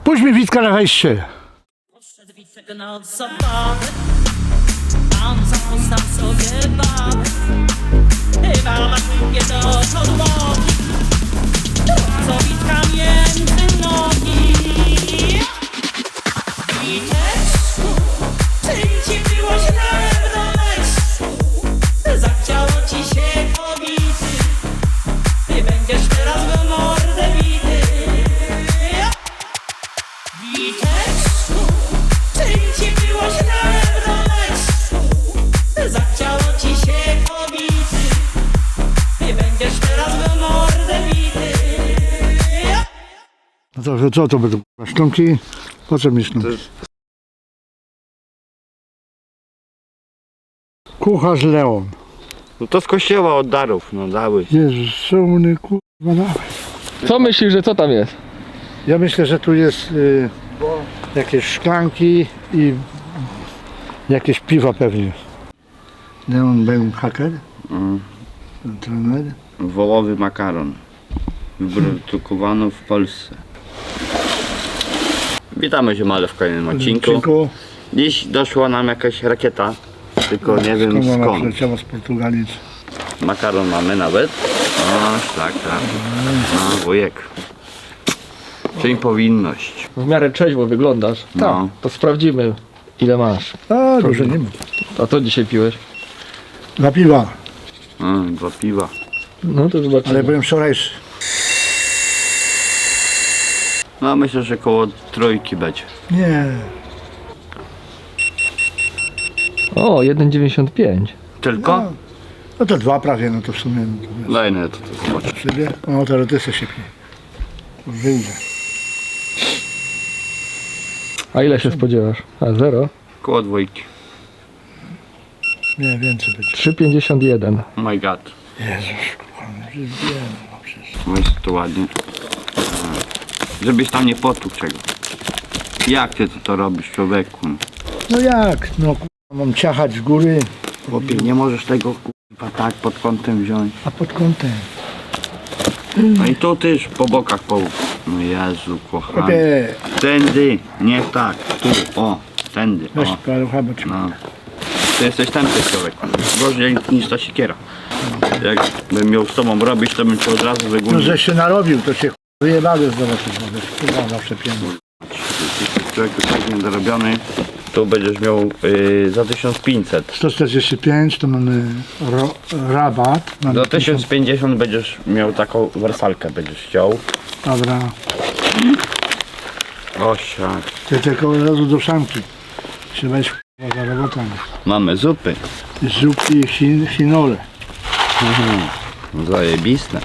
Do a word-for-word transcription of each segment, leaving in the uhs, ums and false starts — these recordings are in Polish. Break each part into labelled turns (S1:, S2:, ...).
S1: Puść mi Witka na wejście.
S2: Podszedł Wicek na zabawę, tam zapostał sobie babę. Chyba ma nie do podłogi, co Witka między nogi. Witeczku, czy ci było źle w domeczku? Zachciało ci się kobity, ty będziesz teraz w mordę bity. Witeczku, czy ci było źle w domeczku? Zachciało ci się kobity, ty będziesz teraz w mordę bity.
S1: No to co to będą sztumki? Po co mi sztumki? Kucharz Leon.
S3: No to z kościoła od darów, no dały.
S1: Jezus, szumny kurwa dawaj.
S4: Co myślisz, że co tam jest?
S1: Ja myślę, że tu jest y, jakieś szklanki i jakieś piwa pewnie. Leon był haker,
S3: Mm.
S1: trener.
S3: Wołowy makaron. Wyprodukowano w Polsce. Witamy się male w kolejnym odcinku.
S1: Odcinku.
S3: Dziś doszła nam jakaś rakieta, tylko nie wiem
S1: Skąd ona
S3: skąd.
S1: przyleciała z Portugalii?
S3: Makaron mamy nawet. O, tak, tak. No, wujek. Czyli powinność.
S4: W miarę trzeźwo wyglądasz.
S3: No.
S4: To sprawdzimy, ile masz.
S1: A, dużo nie ma.
S4: A co dzisiaj piłeś?
S1: Dla piwa,
S3: Mm, dwa piwa.
S4: No to zobaczymy.
S1: ale byłem wczorajszy.
S3: No myślę, że koło trójki będzie.
S1: Nie,
S4: O, jeden dziewięćdziesiąt pięć.
S3: Tylko?
S1: no, no to dwa prawie, no to w sumie. No to wiesz,
S3: Daj no to, to zobaczę.
S1: sobie. No teraz ty se siepnie. Wyjdzie.
S4: A ile się spodziewasz? A, zero?
S3: Koło dwójki.
S1: Nie, więcej będzie.
S4: trzy pięćdziesiąt jeden.
S3: Oh my god.
S1: Jezus, kochany, że wiem, no przecież.
S3: No jest to ładnie. A. Żebyś tam nie potłukł czego. Jak ty to, to robisz, człowieku?
S1: No jak? No kurwa, mam ciachać z góry,
S3: Chłopie, nie możesz tego kurwa tak pod kątem wziąć.
S1: a pod kątem.
S3: No i tu też po bokach połów. No Jezu, kochany.
S1: Chłopie,
S3: Tędy, nie tak. Tu, o, tędy,
S1: weź
S3: o.
S1: palucha, bo ci...
S3: No. Ty jesteś tępy człowiek. Gorzej niż ta siekiera. Jakbym miał z tobą robić, to bym cię od razu
S1: No
S3: wygonił.
S1: że się narobił, to się wyjebały zobaczyć, bo wiesz, kurwa zawsze pieniądze.
S3: Człowiek tak niedorobiony. Tu będziesz miał yy, za tysiąc pięćset.
S1: sto czterdzieści pięć to mamy ro, rabat. Mamy
S3: Do tysiąc pięćdziesiąt będziesz miał taką wersalkę, będziesz chciał.
S1: Dobra,
S3: Osiak.
S1: ty tylko od razu do szamki. Się weź kurwa za robotą.
S3: Mamy zupy.
S1: Zupki i chin, chinole.
S3: Zajebiste.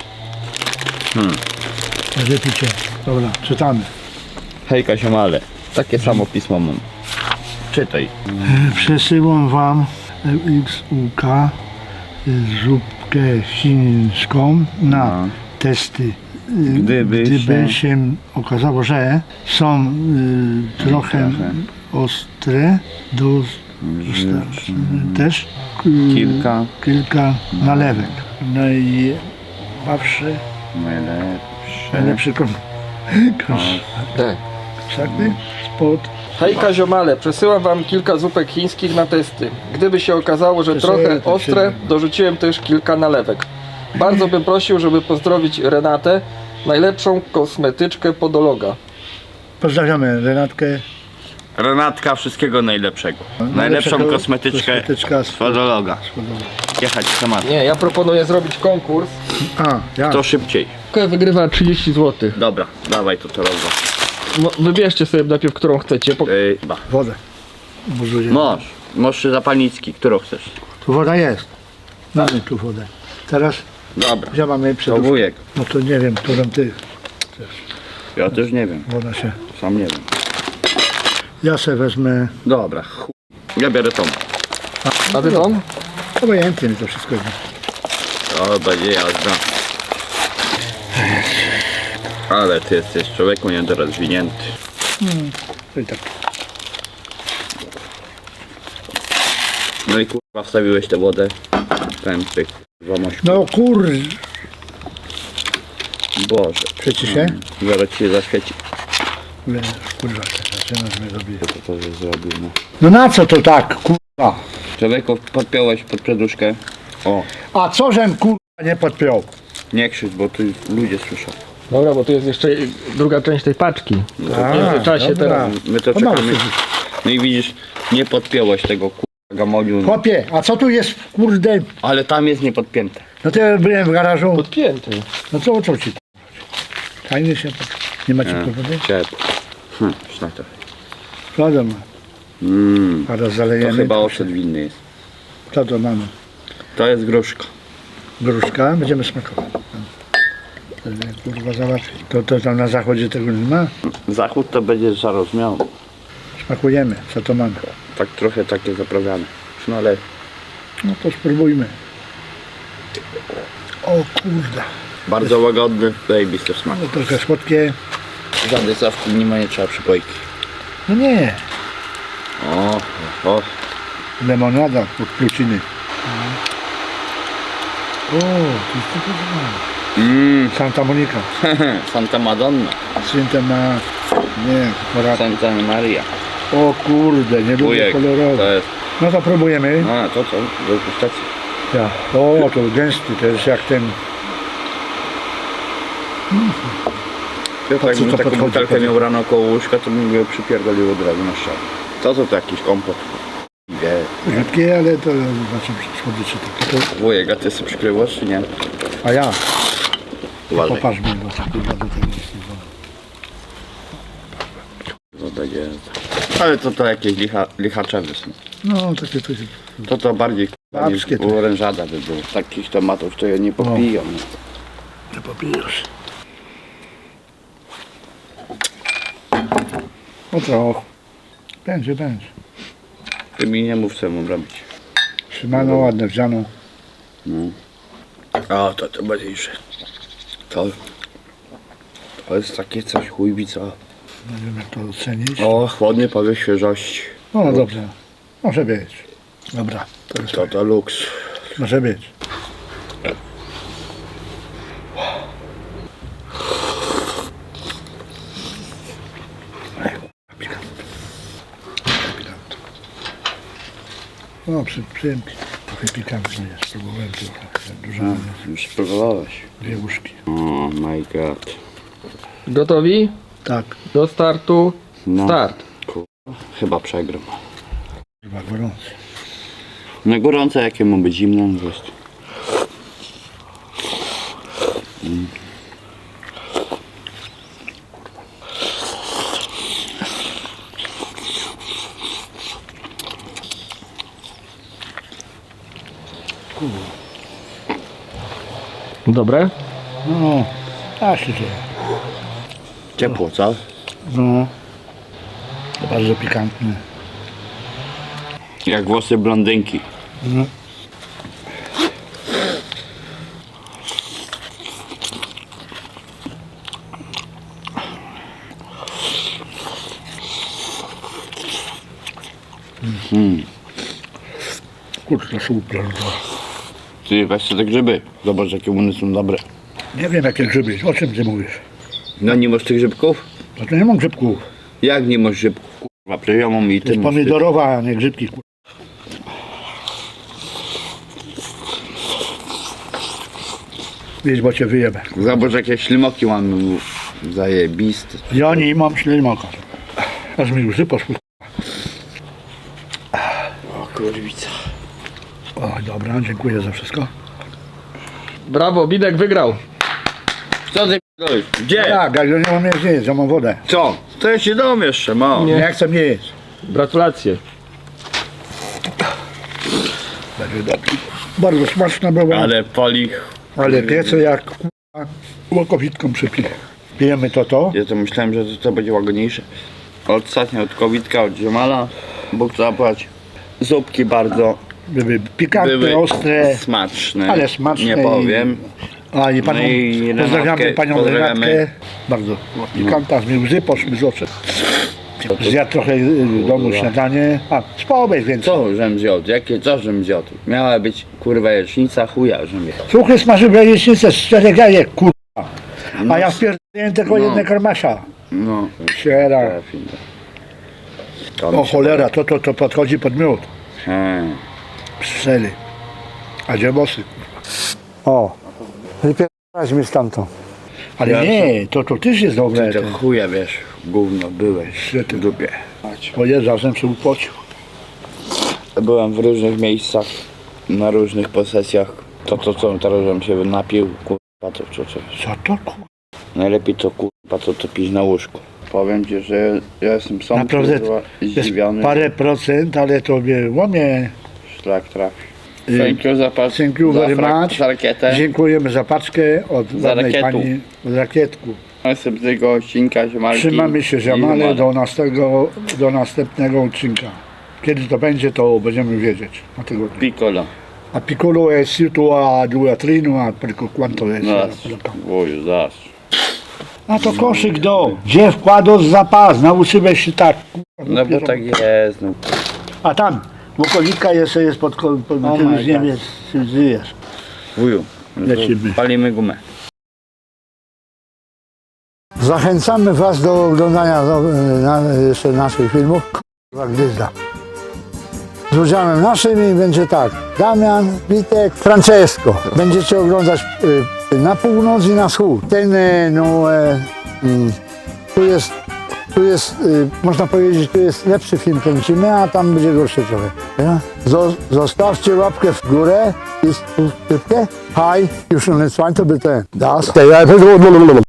S1: Wypicie. Dobra, czytamy.
S3: Hejka siomale. Takie samo pismo mam. Czytaj.
S1: Przesyłam wam X U K zupkę chińską na
S3: No.
S1: testy.
S3: Gdyby
S1: Gdyby
S3: się-
S1: się okazało, że są y, trochę
S3: Trochę.
S1: ostre, do, też y,
S3: Kilka.
S1: kilka nalewek. Najbawszy,
S3: Najlepsze.
S1: najlepszy kon, kon,
S4: Tak.
S1: sakny spod.
S4: Hejka ziomale, przesyłam wam kilka zupek chińskich na testy. Gdyby się okazało, że
S1: Przesyłaj,
S4: trochę
S1: to
S4: ostre,
S1: się-
S4: dorzuciłem też kilka nalewek. Bardzo bym prosił, żeby pozdrowić Renatę, najlepszą kosmetyczkę podologa.
S1: Pozdrawiamy Renatkę.
S3: Renatka, wszystkiego najlepszego. Najlepszą
S1: Najlepszego
S3: kosmetyczkę
S1: kosmetyczka z-
S3: podologa. Jechać temat.
S4: Nie, ja proponuję zrobić konkurs.
S1: A, ja.
S3: Kto szybciej?
S4: Wygrywa trzydzieści złotych.
S3: Dobra, dawaj to to rozwa.
S4: No, wybierzcie sobie najpierw, którą chcecie. Po...
S3: Yy, ba.
S1: Wodę. Buzuję.
S3: Mąż, mąż czy zapalnicki, którą chcesz?
S1: Tu woda jest. Mamy tu wodę. Teraz
S3: Dobra,
S1: gdzie mamy
S3: to
S1: przed...
S3: wujek.
S1: No to nie wiem, którą ty.
S3: Ja też nie wiem,
S1: Woda się.
S3: sam nie wiem.
S1: Ja se wezmę.
S3: Dobra, chuj. Ja biorę tą.
S4: A ty tą?
S1: Obojętnie mi to wszystko jest.
S3: O, będzie jazda. Ale ty jesteś człowieku niedorozwinięty.
S1: To i tak.
S3: No i kurwa wstawiłeś tę wodę. Ten pyk. Zamoś.
S1: No kur...
S3: Boże.
S1: Przecież się?
S3: Zaraz ci się zaświeci.
S1: Kurwa, kurwa, zaczynasz mnie robić.
S3: To to też zrobił, no.
S1: No na co to tak, kurwa?
S3: Człowieku, podpiąłeś pod przeduszkę. O,
S1: A co żem kurwa nie podpiął?
S3: nie krzycz, bo tu ludzie słyszą.
S4: Dobra, bo tu jest jeszcze druga część tej paczki.
S1: A,
S4: W międzyczasie
S1: dobra.
S4: teraz.
S3: My to
S1: To mało
S3: czekamy.
S1: słyszy.
S3: No i widzisz, nie podpiąłeś tego kurwa gamoniu.
S1: Chłopie, a co tu jest, kurde?
S3: Ale tam jest niepodpięte.
S1: No to ja byłem w garażu.
S4: Podpięty.
S1: No co o co ci? Fajnie się pod... Nie macie powody?
S3: Ciepło. Hm, szlak to.
S1: Wiadomo.
S3: Mmm,
S1: Zaraz
S3: to
S1: zalejemy.
S3: chyba ocet winny jest.
S1: Co to mamy?
S3: To jest gruszka.
S1: Gruszka, będziemy smakować. To nie, kurwa załatwi. To, to tam na zachodzie tego nie ma?
S3: Zachód to będzie zaraz miał.
S1: Smakujemy, co to mamy.
S3: Tak trochę takie zaprawiane. No ale
S1: No to spróbujmy. O kurde.
S3: bardzo łagodny, zajebisty smak.
S1: No trochę słodkie.
S3: Żadnej sawki nie ma, nie trzeba przypojki.
S1: No nie.
S3: O, o,
S1: Lemonada od pluciny. O, to jest to to
S3: mmm,
S1: Santa Monica.
S3: Santa Madonna,
S1: Santa ma... Nie, pora...
S3: Santa Maria.
S1: O kurde, nie lubię
S3: Wujek, to
S1: kolorowe.
S3: jest,
S1: No to próbujemy.
S3: no to co, do degustacji.
S1: Ja. O, to gęsty, to jest jak ten...
S3: Ja tak,
S1: co
S3: jakbym
S1: to
S3: taką
S1: podchodzi,
S3: butelkę
S1: podchodzi?
S3: miał rano koło łóżka, to bym go przypierdolił od razu na ścianę. To co to jakiś kompot? Wie.
S1: Rzadkie, ale to znaczy słodycze takie. To...
S3: Wujek, a ty sobie przykrywasz czy nie?
S1: A ja,
S3: Uważaj.
S1: popatrz mi, bo tak kurwa do tego jest nie wolno.
S3: To będzie... Ale to to jakieś licha, lichaczewy są.
S1: No, takie to się...
S3: To to bardziej k***a, niż
S1: Babskie to.
S3: orężada by było. Takich tomatów to ja nie popijam.
S1: Nie popijesz. No to... Będzie, będzie.
S3: Ty mi nie mów co mam robić.
S1: Trzymano, ładne wziano.
S3: No. O, to to ważniejsze. To... To jest takie coś chujbica.
S1: Nie wiem jak to ocenić.
S3: O, chłodny powiew świeżości.
S1: No dobrze, może być. Dobra, to jest
S3: To to luks.
S1: może być. No, przy, przyjemnie. Trochę pikantny jest, spróbowałem trochę. Dużo,
S3: A, już spróbowałeś.
S1: dwie łyżki.
S3: Oh my god.
S4: Gotowi?
S1: Tak,
S4: Do startu.
S3: No.
S4: Start.
S3: Chyba przegram.
S1: chyba gorący.
S3: Na gorące jakie ma być zimno, no jest. Mm.
S4: Dobre?
S1: No, tak się dzieje.
S3: Ciepło, co?
S1: No, bardzo pikantny.
S3: Jak włosy blondynki.
S1: No.
S3: Mm.
S1: Kurczę, super.
S3: Ty weź sobie te grzyby. Zobacz jakie one są dobre.
S1: Nie wiem jakie grzyby, o czym ty mówisz?
S3: No nie masz tych grzybków?
S1: No to nie mam grzybków.
S3: Jak nie masz grzybków? Kurwa, przecież ja mam i
S1: To
S3: ty
S1: jest
S3: masz.
S1: pomidorowa, a nie grzybki. kur- Wiesz, bo cię wyjebę.
S3: Zobacz jakie ślimoki mam zajebiste.
S1: Ja nie mam ślimaka. Aż mi łzy poszły.
S3: O kurwica.
S1: O, dobra, dziękuję za wszystko.
S4: Brawo, Bidek wygrał.
S3: Co ty p***olisz? Gdzie?
S1: Tak, jak ja nie mam jeść, jeść, ja mam wodę.
S3: Co? To ja się dom jeszcze mam.
S1: Nie,
S4: Nie.
S1: nie chcę mnie jeść.
S4: Gratulacje.
S1: Będzie dobrze. Bardzo smaczna była, ale,
S3: Ale pali.
S1: ale piece jak k***a, łokowitką przypije. Pijemy to to.
S3: Ja to myślałem, że to, to będzie łagodniejsze. Ostatnio od kowitka, od ziomala. Bóg zapłać. Zupki bardzo
S1: Były pikantne,
S3: były
S1: ostre,
S3: smaczne.
S1: ale smaczne.
S3: Nie powiem.
S1: I, a i panią,
S3: No i
S1: pozdrawiamy
S3: Renatkę,
S1: panią
S3: pozdrawiamy.
S1: Renatkę. Bardzo pikanta, mi łzy poszły z oczu. Zjadł trochę y, w domu śniadanie. A, społeś więc.
S3: Co żem zjadł? Jakie co żem zjadł? Miała być kurwa jecznica chuja żem jadł.
S1: Suchy smażył jajecznicę z czterech jajek, kurwa. A ja wpierdolę tylko
S3: No.
S1: jedne karmasia.
S3: No.
S1: Siera.
S3: To mi
S1: O
S3: się
S1: cholera, to, to, to podchodzi pod miód.
S3: Hmm.
S1: Strzeli. A gdzie bosy? O, wypierdalać mi stamtąd. Ale
S3: Ja
S1: nie, to, to też jest dobre.
S3: Ty
S1: To.
S3: to chuja wiesz, gówno byłeś
S1: Gdzie ty?
S3: w dupie.
S1: O Jezu, razem się upocił.
S3: Byłem w różnych miejscach, na różnych posesjach. To to co teraz żebym się napił, kurwa to co, co.
S1: Co to kurwa?
S3: Najlepiej to kurwa to, to pić na łóżku. Powiem ci, że ja, ja jestem sam
S1: Naprawdę
S3: kurwa,
S1: jest
S3: zdziwiony.
S1: parę procent, ale tobie łomie.
S3: Szlak trafi.
S1: Y,
S3: Thank you za, pas,
S1: Thank you
S3: za,
S1: very
S3: frak-
S1: much.
S3: za rakietę.
S1: Dziękujemy za paczkę od
S3: Za
S1: ładnej
S3: rakietu.
S1: pani od rakietku.
S3: Następnego odcinka ziemalki.
S1: Trzymamy się
S3: i
S1: ziamale
S3: ziemalek.
S1: do następnego, do następnego odcinka. Kiedy to będzie, to będziemy wiedzieć na tygodniu.
S3: Piccolo.
S1: A piccolo è sito a due a trino, a per quanto è?
S3: Zaraz. Oju, zaraz.
S1: A to koszyk do. Gdzie wkładał zapas? Nauczyłeś się tak. kurwa,
S3: No bo
S1: dopiero-
S3: tak jest, no.
S1: A tam, okolitka jeszcze jest pod, pod, pod
S3: Oh
S1: ty
S3: my
S1: już nie
S3: God.
S1: wiesz, czy żyjesz.
S3: Wuju, no to
S1: Lecimy.
S3: palimy gumę.
S1: Zachęcamy Was do oglądania do, na, jeszcze naszych filmów. Kurwa gwiazda. Z udziałem naszym i będzie tak. Damian, Witek, Francesco. Będziecie oglądać y, na północ i na wschód. Ten, y, no, e, mm, tu jest, tu jest, y, można powiedzieć, tu jest lepszy film kręcimy, a tam będzie gorszy trochę. Ja? Zo, zostawcie łapkę w górę i subskrypcję. Hi, już nie to by ten. Das.